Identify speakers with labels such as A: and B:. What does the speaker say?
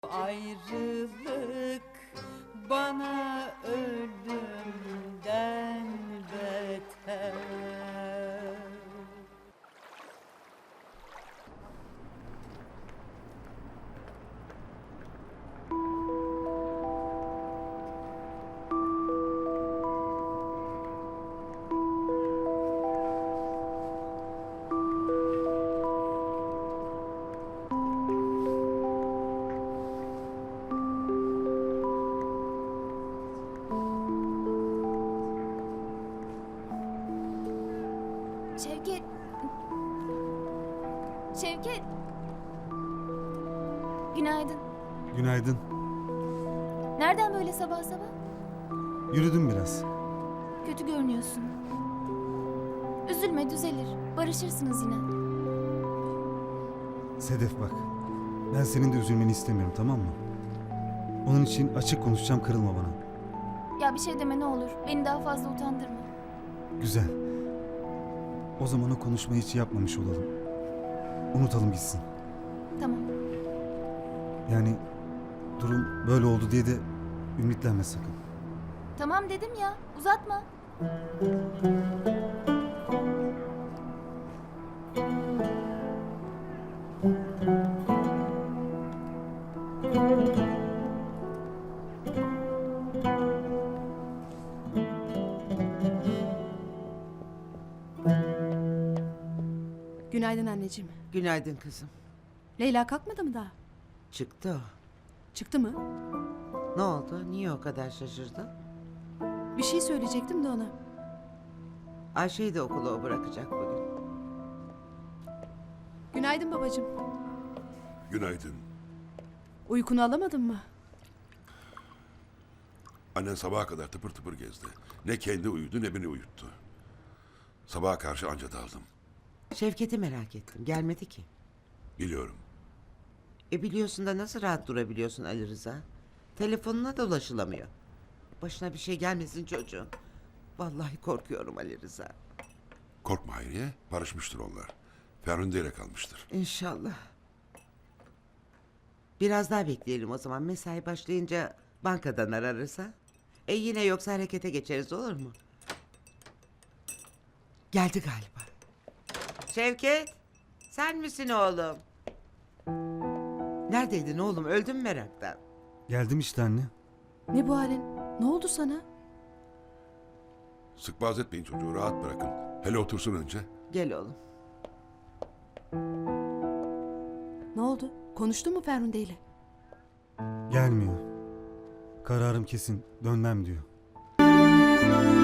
A: Ayrılık bana ölümden beter.
B: Şevket. Şevket. Günaydın.
C: Günaydın.
B: Nereden böyle sabah sabah?
C: Yürüdüm biraz.
B: Kötü görünüyorsun. Üzülme, düzelir. Barışırsınız yine.
C: Sedef bak. Ben senin de üzülmeni istemiyorum, tamam mı? Onun için açık konuşacağım, kırılma bana.
B: Ya bir şey deme ne olur. Beni daha fazla utandırma.
C: Güzel. O zaman o konuşmayı hiç yapmamış olalım. Unutalım gitsin.
B: Tamam.
C: Yani durum böyle oldu diye de ümitlenme sakın.
B: Tamam dedim ya. Uzatma.
D: Günaydın anneciğim.
E: Günaydın kızım.
D: Leyla kalkmadı mı daha?
E: Çıktı o.
D: Çıktı mı?
E: Ne oldu? Niye o kadar şaşırdın?
D: Bir şey söyleyecektim de ona.
E: Ayşe'yi de okula o bırakacak bugün.
D: Günaydın babacığım.
F: Günaydın.
D: Uykunu alamadın mı?
F: Annen sabaha kadar tıpır tıpır gezdi. Ne kendi uyudu ne beni uyuttu. Sabaha karşı anca daldım.
E: Şevket'i merak ettim. Gelmedi ki.
F: Biliyorum.
E: Biliyorsun da nasıl rahat durabiliyorsun Ali Rıza? Telefonuna da ulaşılamıyor. Başına bir şey gelmesin çocuğun. Vallahi korkuyorum Ali Rıza.
F: Korkma Hayriye. Barışmıştır onlar. Ferhunde ile kalmıştır.
E: İnşallah. Biraz daha bekleyelim o zaman. Mesai başlayınca bankadan ararsa. Yine yoksa harekete geçeriz, olur mu? Geldi galiba. Şevket, sen misin oğlum? Neredeydin oğlum? Öldüm meraktan.
C: Geldim işte anne.
D: Ne bu halin? Ne oldu sana?
F: Sıkbaz etmeyin çocuğu. Rahat bırakın. Hele otursun önce.
E: Gel oğlum.
D: Ne oldu? Konuştun mu Ferhunde ile?
C: Gelmiyor. Kararım kesin. Dönmem diyor.